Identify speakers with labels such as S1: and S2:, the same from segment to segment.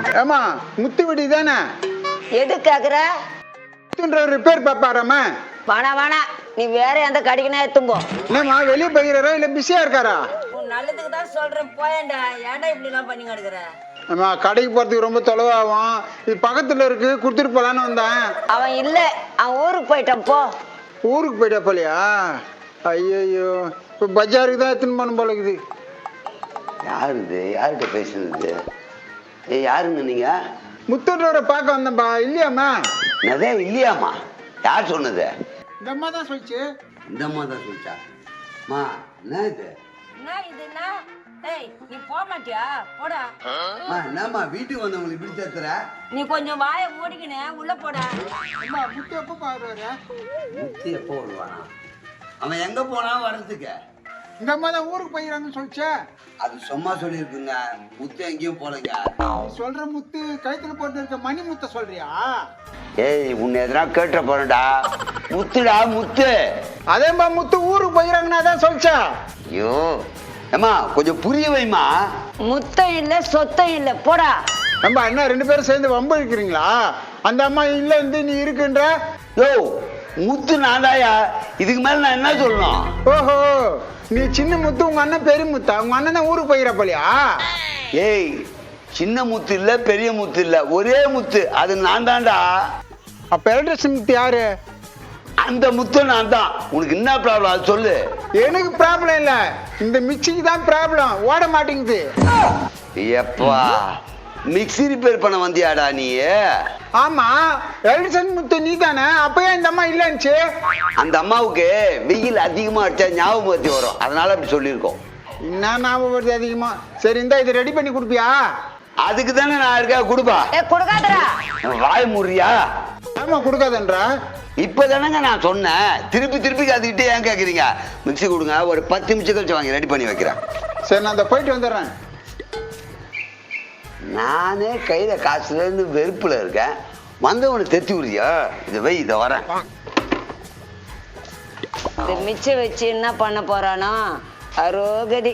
S1: ஏமா முத்து விடி தானே?
S2: எது கேக்குற?
S1: முத்துன்ற ரிப்பேர் பாப்பாராமா?
S2: வேணா நீ வேற எந்த கடைக்குனா எடுத்தும்போ.
S1: என்னம்மா வெளியே போகிறாரா இல்ல பிஸியா இருக்காரா?
S2: உன் நல்லதுக்கு தான் சொல்றேன் போயேன்டா. ஏன்டா இப்படி எல்லாம் பண்ணி கிடக்குற?
S1: அம்மா கடைக்கு போறதுக்கு ரொம்ப தொலைவாகும். இது பக்கத்துல இருக்கு, கொடுத்துட்டு போலான்னு வந்தேன்.
S2: அவன் இல்ல, அவன் ஊருக்கு போயிட்டான் போ.
S1: ஊருக்கு போயிட்டா போலியா? ஐயோ இப்போ பஜாருக்கு தான் எடுத்துன்னு போன போல இருக்குது.
S3: யாருது? யார்கிட்ட பேசுனது? யாருங்க நீங்க?
S1: முத்தூரோட பார்க்க வந்தேன்பா. இல்லையாம்மா?
S3: அதே இல்லையாம்மா? யார் சொன்னது?
S1: இந்த அம்மா தான் சொல்லிச்சு.
S3: இந்த அம்மா தான் சொல்லிச்சா? மா என்ன இது?
S2: என்ன இதுன்னா? டேய் நீ போக மாட்டியா? போடா.
S3: என்னம்மா வீட்டுக்கு வந்தவங்களை இப்படி சேர்த்துற?
S2: நீ கொஞ்சம் வாயை மூடிக்கினே உள்ள போடா.
S1: அம்மா முத்து எப்போ பாக்குறாரு?
S3: முத்து எப்போ வருவானா? அவன் எங்க போனா வர்றதுக்கு?
S1: இந்த அம்மா தான் ஊருக்கு போயிடறாங்கன்னு சொல்லிச்சே.
S3: அது சும்மா சொல்லியிருக்குங்க. முத்து எங்கேயும் போலங்க.
S1: நீ சொல்ற முத்து கழுத்துல போட்டு இருக்க மணி முத்த சொல்றியா?
S3: ஏய் உன்னை எதனா கேட்ட போறடா. முத்துடா முத்து.
S1: அதேமா முத்து ஊருக்கு போயிடறாங்கன்னு அதான் சொல்லிச்சா.
S3: ஐயோ அம்மா கொஞ்சம் புரிய வைமா.
S2: முத்தம் இல்ல சொத்தம் இல்ல போடா.
S1: நம்ம என்ன ரெண்டு பேரும் சேர்ந்து வம்பு இருக்கிறீங்களா? அந்த அம்மா இல்ல இருந்து நீ இருக்குன்ற.
S3: யோ முத்து நான்தாயா, இதுக்கு மேல நான் என்ன சொல்லணும்?
S1: ஓஹோ நீ சின்ன முத்து, உங்க அண்ணன் பெரிய முத்தா? உங்க அண்ணன் தான் ஊருக்கு போயிட போலியா?
S3: ஏய் சின்ன முத்து இல்ல பெரிய முத்து இல்ல, ஒரே முத்து, அது நான் தான்டா.
S1: அப்ப எலக்ட்ரிஷன் முத்து யாரு?
S3: அந்த முத்து நான் தான். உனக்கு என்ன ப்ராப்ளம் அது சொல்லு.
S1: எனக்கு ப்ராப்ளம் இல்ல, இந்த மிக்சிக்கு தான் ப்ராப்ளம், ஓட மாட்டேங்குது.
S3: எப்பா மிக்ஸி ரிப்பேர் பண்ண வந்தியாடா நீ?
S1: ஆமா எலக்ட்ரிஷன் முத்து நீ தானே, அப்பயே இந்த அம்மா இல்லைன்னுச்சு.
S3: அந்த அம்மாவுக்கு வெயில் அதிகமா அடிச்சா ஞாபகம் வச்சு வரும், அதனால அப்படி சொல்லியிருக்கோம்.
S1: என்ன ஞாபகம் வருது அதிகமா? சரி இந்த இதை ரெடி பண்ணி கொடுப்பியா?
S3: அதுக்கு தானே நான் இருக்கா, கொடுப்பா.
S2: கொடுக்காதடா.
S3: வாய் முறியா?
S1: ஆமா கொடுக்காதன்றா.
S3: இப்பதானங்க நான் சொன்னேன், திருப்பி திருப்பி அதுக்கிட்டே ஏன் கேக்குறீங்க? மிக்ஸி கொடுங்க, ஒரு 10 நிமிஷம் கழிச்சு வாங்கி ரெடி பண்ணி வைக்கிறேன்.
S1: சரி நான் அந்த போயிட்டு வந்துடுறேன்.
S3: நானே கையில காசுல இருந்து வெறுப்புல இருக்கேன், வந்தவனை தெத்தி விடுறியா? இதை வை, இதை வரேன்.
S2: இந்த மிச்சம் வச்சு என்ன பண்ண போறானோ அரோகதி.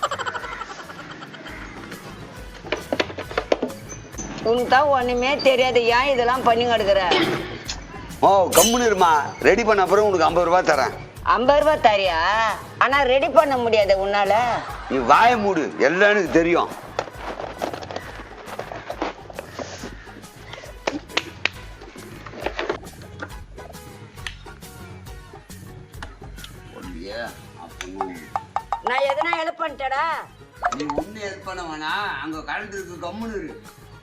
S2: உனக்கு தான் ஒண்ணுமே தெரியாது, ஏன் இதெல்லாம் பண்ணி கிடக்குற?
S3: ஓ கம்முன்னு இருமா, ரெடி பண்ண அப்புறம் உனக்கு 50 ரூபாய் தரேன்.
S2: 50 ரூபாய் தரியா? ஆனா ரெடி பண்ண முடியாது உன்னால.
S3: நீ வாய மூடு, எல்லாம் எனக்கு தெரியும்.
S2: நான் எதனா ஹெல்ப் பண்ணிட்டடா?
S3: நீ ஒண்ணு ஹெல்ப் பண்ண வேணா, அங்க கரண்ட் இருக்கு, கம்முன்னு இரு.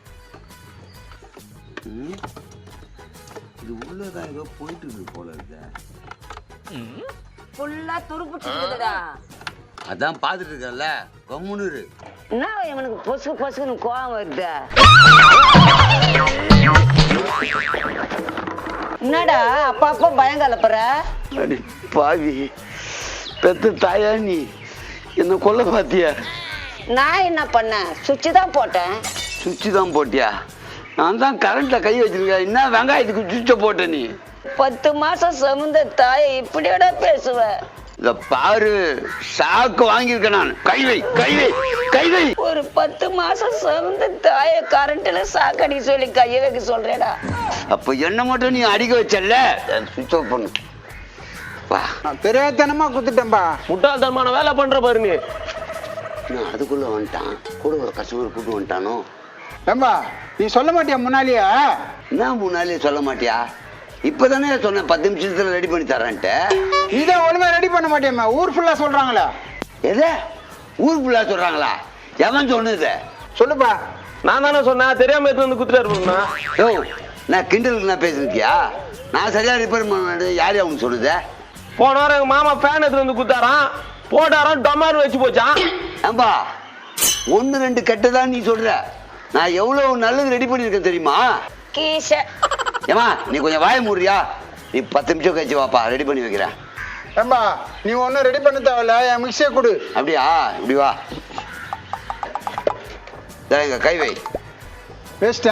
S3: இது உள்ளதான் ஏதோ போயிட்டு இருக்கு போல இருக்கு.
S2: ஃபுல்லா துருப்பிட்டுடா.
S3: அதான் பாத்துட்டு இருக்கல, கம்முன்னு இரு.
S2: என்ன இவனுக்கு பொசு பொசுன்னு கோவம் வருது? என்னடா அப்பா பயம் கலப்புற?
S3: அடி பாவி, பெத்த தாயா நீ என்ன கொல்ல பாத்தியா?
S2: நான் என்ன பண்ணேன்? சுவிட்ச் தான் போட்டேன்.
S3: சுவிட்ச் தான் போட்டியா? நான் தான் கரண்ட்ல கை வச்சிருக்கேன், என்ன வெங்காயத்துக்கு சுவிட்ச போட்ட நீ?
S2: 10 மாசம் சுமந்த தாயை இப்படியோட பேசுவ?
S3: இத பாரு, சாக்கு வாங்கியிருக்கேன் நான். கை வை, கை வை, கை வை.
S2: ஒரு 10 மாசம் சுமந்த தாயை கரண்ட்ல சாக்கடி சொல்லி கைய வைக்க சொல்றேடா.
S3: அப்ப என்ன மட்டும் நீ அடிக்க வச்சல, சுவிட்ச் ஆஃப் பண்ணு. வா,
S1: நான் தெரியாதனமா குத்துட்டேன்பா.
S4: முட்டாள்தனமான வேலை பண்ற பாரு நீ.
S3: நான் அதுக்குள்ள வந்துட்டான், கூட ஒரு கஸ்டமர் கூட்டு வந்துட்டானோ.
S1: ஏம்பா நீ சொல்ல மாட்டியா முன்னாலேயே?
S3: என்ன முன்னாலே சொல்ல மாட்டியா? இப்பதானே சொன்னேன் 10 நிமிஷத்துல ரெடி பண்ணி தரேன்ட்டு.
S1: நீதான் ஒழுங்கா ரெடி பண்ண மாட்டியம்மா, ஊர் ஃபுல்லா சொல்றாங்களா?
S3: எது ஊர் ஃபுல்லா சொல்றாங்களா? எவன் சொன்னது?
S1: சொல்லுப்பா.
S4: நான் தானே சொன்னேன், தெரியாம எடுத்து வந்து குத்துறாரு.
S3: யோ நான் கிண்டலுக்கு நான் பேசிருக்கியா? நான் சரியா ரிப்பேர் பண்ண யாரையா அவனுக்கு சொன்னது?
S4: போன வாரம் எங்க மாமா ஃபேன் எடுத்து வந்து குத்தாரான், போட்டாரான், டொமாரு வச்சு போச்சான்.
S3: ஏம்பா 1 2 கெட்டதான் நீ சொல்ற, நான் எவ்வளவு நல்லது ரெடி பண்ணிருக்கேன் தெரியுமா?
S2: கீஷ
S3: ஏமா நீ கொஞ்சம் வாய மூடுறியா? நீ 10 நிமிஷம் கழிச்சு வாப்பா, ரெடி பண்ணி வைக்கிறேன்.
S1: ஏம்பா நீ ஒன்னும் ரெடி பண்ண தேவையில்ல, என் மிக்சியை கொடு.
S3: அப்படியா? இப்படி வா, எங்க கை வை.
S1: வேஸ்டா?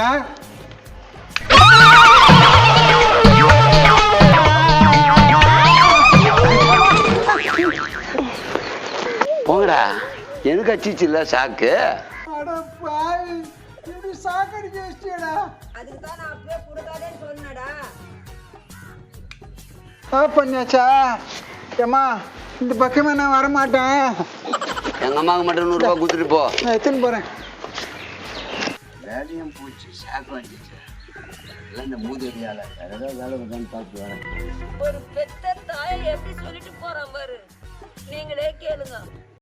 S3: போங்கடா, எனக்கு அச்சிச்சு இல்ல சாக்கு.
S1: இப்படி சாக்கடிச்சு வச்சியடா.
S2: அதுக்கு தான் நான் அப்பவே கொடுக்காதேன்னு சொன்னடா.
S1: பண்ணியாச்சா? ஏம்மா இந்த பக்கமே நான் வரமாட்டேன்.
S3: எங்க அம்மாவுக்கு மட்டும் 100 ரூபாய் கொடுத்துட்டு போ.
S1: நான் எடுத்துன்னு போறேன்.
S3: வேலையும் போச்சு, ஷாக் அடிச்சு. எல்லாம் இந்த மூதேவியால வேற ஏதாவது வேலை உட்காந்து பார்த்து வரேன்.
S2: ஒரு பெத்த தாயை எப்படி சொல்லிட்டு போறான் பாரு. நீங்களே கேளுங்க.